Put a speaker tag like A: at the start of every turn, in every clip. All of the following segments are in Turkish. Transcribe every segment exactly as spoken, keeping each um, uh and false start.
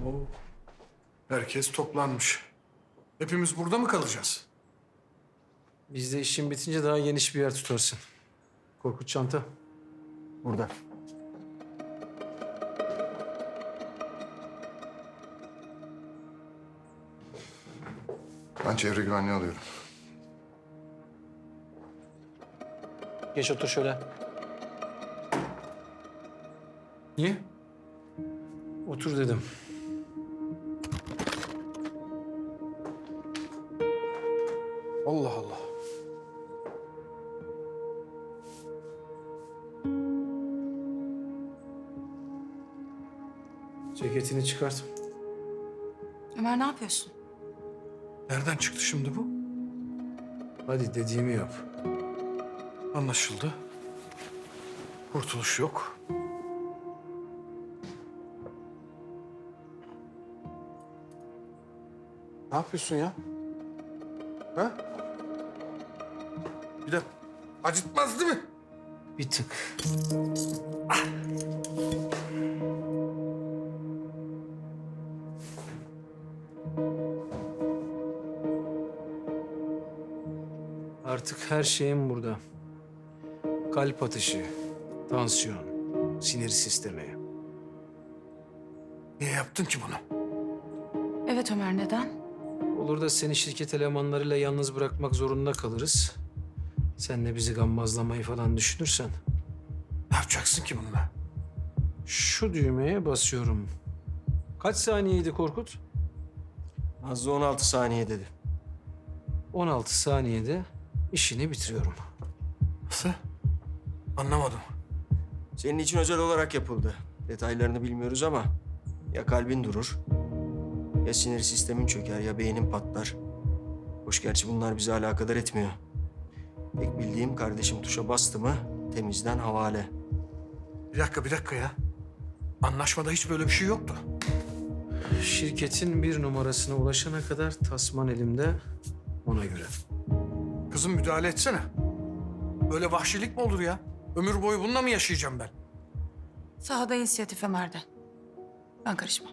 A: Oo. Herkes toplanmış. Hepimiz burada mı kalacağız?
B: Biz de işin bitince daha geniş bir yer tutarsın. Korkut çanta.
C: Burada.
D: Ben çevre güvenliği alıyorum.
B: Geç otur şöyle.
A: Niye?
B: Otur dedim.
A: Allah Allah.
B: Ceketini çıkart.
E: Ömer ne yapıyorsun?
A: Nereden çıktı şimdi bu?
B: Hadi dediğimi yap.
A: Anlaşıldı. Kurtuluş yok. Ne yapıyorsun ya? Ha? Bir de acıtmaz değil mi?
B: Bir tık. Artık her şeyim burada. Kalp atışı, tansiyon, sinir sistemi.
A: Niye yaptın ki bunu?
E: Evet Ömer neden?
B: Olur da seni şirket elemanlarıyla yalnız bırakmak zorunda kalırız. Sen de bizi gammazlamayı falan düşünürsen.
A: Ne yapacaksın ki bununla?
B: Şu düğmeye basıyorum. Kaç saniyeydi Korkut?
C: Nazlı on altı saniye dedi.
B: on altı saniyede işini bitiriyorum.
A: Nasıl? Anlamadım.
C: Senin için özel olarak yapıldı. Detaylarını bilmiyoruz ama ya kalbin durur, ya sinir sistemin çöker, ya beynin patlar. Hoş gerçi bunlar bizi alakadar etmiyor. Tek bildiğim kardeşim tuşa bastı mı temizden havale.
A: Bir dakika, bir dakika ya. Anlaşmada hiç böyle bir şey yoktu.
B: Şirketin bir numarasına ulaşana kadar tasman elimde, ona göre.
A: Kızım müdahale etsene. Böyle vahşilik mi olur ya? Ömür boyu bununla mı yaşayacağım ben?
E: Sahada inisiyatif Ömer'den. Ben karışmam.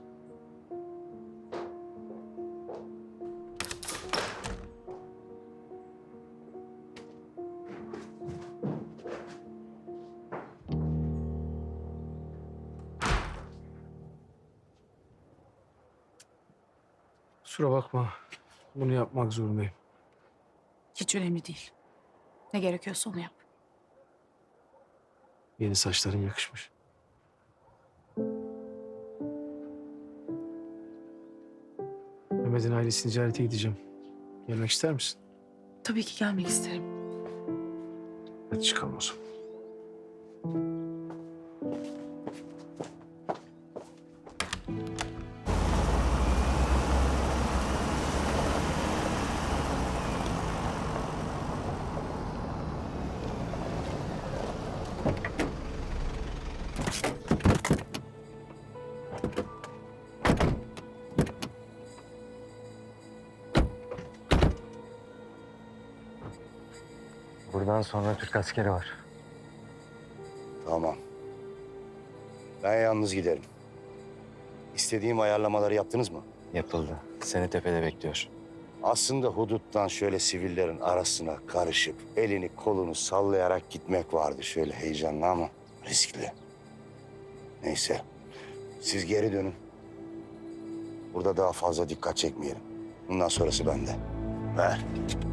B: Kusura bakma. Bunu yapmak zorundayım.
E: Hiç önemli değil. Ne gerekiyorsa onu yap.
B: Yeni saçların yakışmış. Mehmet'in ailesini ziyarete gideceğim. Gelmek ister misin?
E: Tabii ki gelmek isterim.
B: Hadi çıkalım o zaman.
F: Buradan sonra Türk askeri var.
G: Tamam. Ben yalnız giderim. İstediğim ayarlamaları yaptınız mı?
F: Yapıldı. Seni tepede bekliyor.
G: Aslında huduttan şöyle sivillerin arasına karışıp elini kolunu sallayarak gitmek vardı şöyle heyecanlı ama riskli. Neyse. Siz geri dönün. Burada daha fazla dikkat çekmeyelim. Bundan sonrası bende. Ver.